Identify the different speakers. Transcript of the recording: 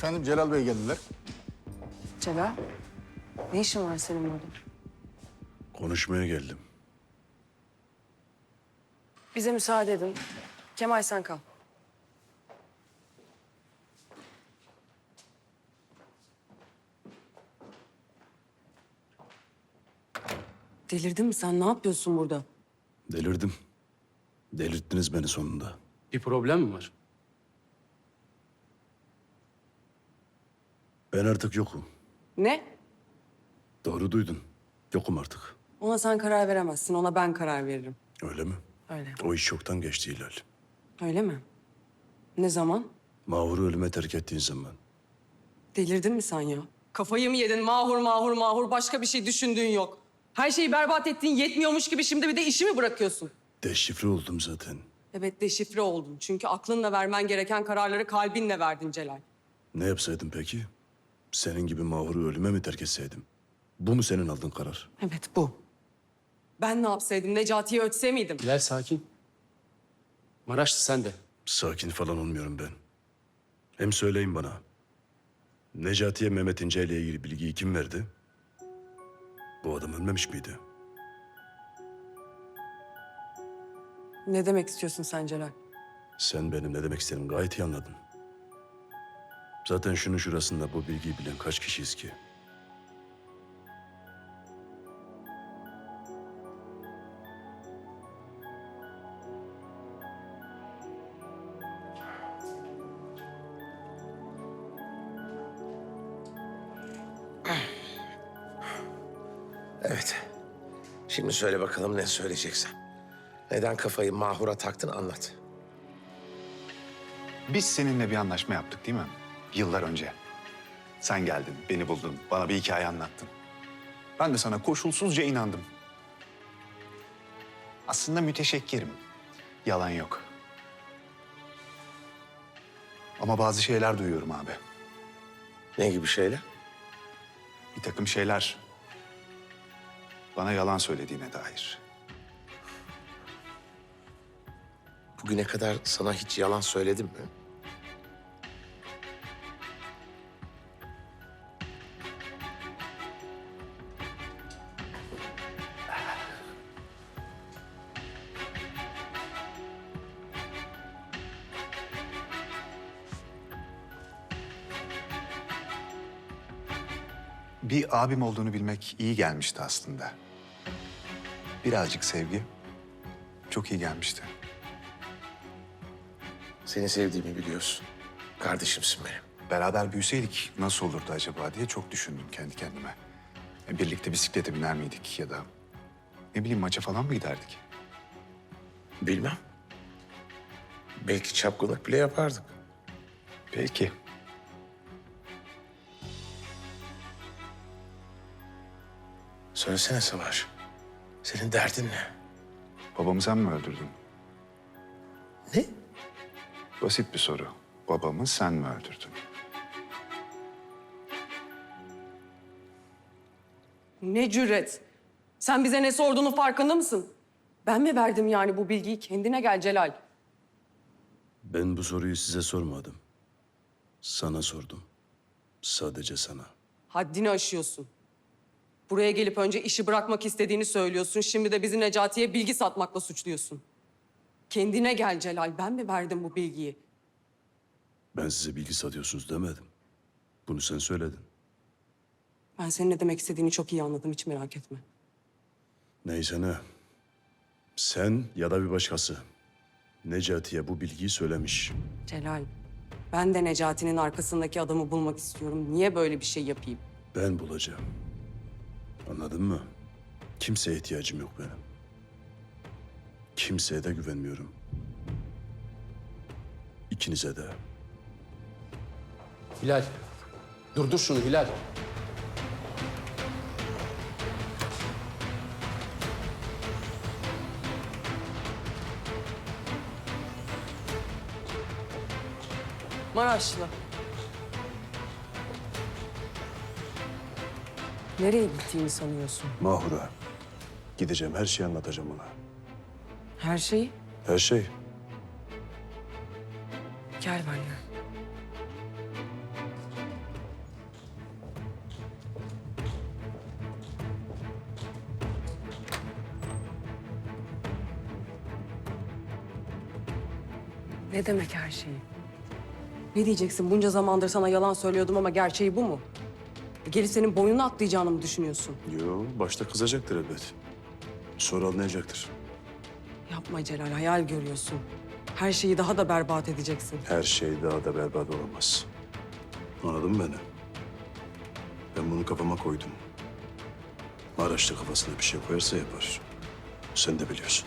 Speaker 1: Efendim Celal Bey geldiler.
Speaker 2: Celal, ne işin var senin burada?
Speaker 3: Konuşmaya geldim.
Speaker 2: Bize müsaade edin. Kemal sen kal. Delirdin mi sen? Ne yapıyorsun burada?
Speaker 3: Delirdim. Delirttiniz beni sonunda.
Speaker 4: Bir problem mi var?
Speaker 3: Ben artık yokum.
Speaker 2: Ne?
Speaker 3: Doğru duydun. Yokum artık.
Speaker 2: Ona sen karar veremezsin. Ona ben karar veririm.
Speaker 3: Öyle mi?
Speaker 2: Öyle.
Speaker 3: O iş çoktan geçti Hilal.
Speaker 2: Öyle mi? Ne zaman?
Speaker 3: Mahur'u ölüme terk ettiğin zaman.
Speaker 2: Delirdin mi sen ya? Kafayı mı yedin? Mahur, mahur, mahur. Başka bir şey düşündüğün yok. Her şeyi berbat ettiğin yetmiyormuş gibi şimdi bir de işi mi bırakıyorsun?
Speaker 3: Deşifre oldum zaten.
Speaker 2: Evet, deşifre oldun. Çünkü aklınla vermen gereken kararları kalbinle verdin Celal.
Speaker 3: Ne yapsaydım peki? Senin gibi Mahur'u ölüme mi terk etseydim? Bu mu senin aldığın karar?
Speaker 2: Evet, bu. Ben ne yapsaydım? Necati'yi ötse miydim?
Speaker 4: Bilal sakin. Maraşlı sen de.
Speaker 3: Sakin falan olmuyorum ben. Hem söyleyin bana. Necati'ye Mehmet İnce ile ilgili bilgiyi kim verdi? Bu adam ölmemiş miydi?
Speaker 2: Ne demek istiyorsun sen Celal?
Speaker 3: Sen benim ne demek istediğimi gayet iyi anladın. Zaten şunun şurasında bu bilgiyi bilen kaç kişiyiz ki?
Speaker 5: Evet. Şimdi söyle bakalım ne söyleyeceksen. Neden kafayı Mahur'a taktın anlat.
Speaker 6: Biz seninle bir anlaşma yaptık değil mi? Yıllar önce. Sen geldin, beni buldun, bana bir hikaye anlattın. Ben de sana koşulsuzca inandım. Aslında müteşekkirim. Yalan yok. Ama bazı şeyler duyuyorum abi.
Speaker 5: Ne gibi şeyler?
Speaker 6: Bir takım şeyler bana yalan söylediğine dair.
Speaker 5: Bugüne kadar sana hiç yalan söyledim mi?
Speaker 6: Bir abim olduğunu bilmek iyi gelmişti aslında. Birazcık sevgi çok iyi gelmişti.
Speaker 5: Seni sevdiğimi biliyorsun. Kardeşimsin benim.
Speaker 6: Beraber büyüseydik nasıl olurdu acaba diye çok düşündüm kendi kendime. Birlikte bisiklete biner miydik ya da ne bileyim maça falan mı giderdik?
Speaker 5: Bilmem. Belki çapkınlık bile yapardık.
Speaker 6: Belki.
Speaker 5: Söylesene Savaş. Senin derdin ne?
Speaker 6: Babamı sen mi öldürdün?
Speaker 5: Ne?
Speaker 6: Basit bir soru. Babamı sen mi öldürdün?
Speaker 2: Ne cüret. Sen bize ne sorduğunun farkında mısın? Ben mi verdim yani bu bilgiyi? Kendine gel Celal.
Speaker 3: Ben bu soruyu size sormadım. Sana sordum. Sadece sana.
Speaker 2: Haddini aşıyorsun. Buraya gelip önce işi bırakmak istediğini söylüyorsun. Şimdi de bizi Necati'ye bilgi satmakla suçluyorsun. Kendine gel Celal. Ben mi verdim bu bilgiyi?
Speaker 3: Ben size bilgi satıyorsunuz demedim. Bunu sen söyledin.
Speaker 2: Ben senin ne demek istediğini çok iyi anladım. Hiç merak etme.
Speaker 3: Neyse ne. Sen ya da bir başkası Necati'ye bu bilgiyi söylemiş.
Speaker 2: Celal, ben de Necati'nin arkasındaki adamı bulmak istiyorum. Niye böyle bir şey yapayım?
Speaker 3: Ben bulacağım. Anladın mı? Kimseye ihtiyacım yok benim. Kimseye de güvenmiyorum. İkinize de.
Speaker 4: Hilal. Durdur şunu Hilal.
Speaker 2: Maraşlı. Nereye gittiğini sanıyorsun?
Speaker 3: Mahur'a gideceğim, her şeyi anlatacağım ona.
Speaker 2: Her şeyi?
Speaker 3: Her şey.
Speaker 2: Gel benimle. Ne demek her şeyi? Ne diyeceksin? Bunca zamandır sana yalan söylüyordum ama gerçeği bu mu? Gelip senin boynunu atlayacağını mı düşünüyorsun?
Speaker 3: Yo, başta kızacaktır elbet. Sonra anlayacaktır.
Speaker 2: Yapma Celal, hayal görüyorsun. Her şeyi daha da berbat edeceksin.
Speaker 3: Her şey daha da berbat olamaz. Anladın mı beni? Ben bunu kafama koydum. Maraş'ta kafasına bir şey koyarsa yapar. Sen de biliyorsun.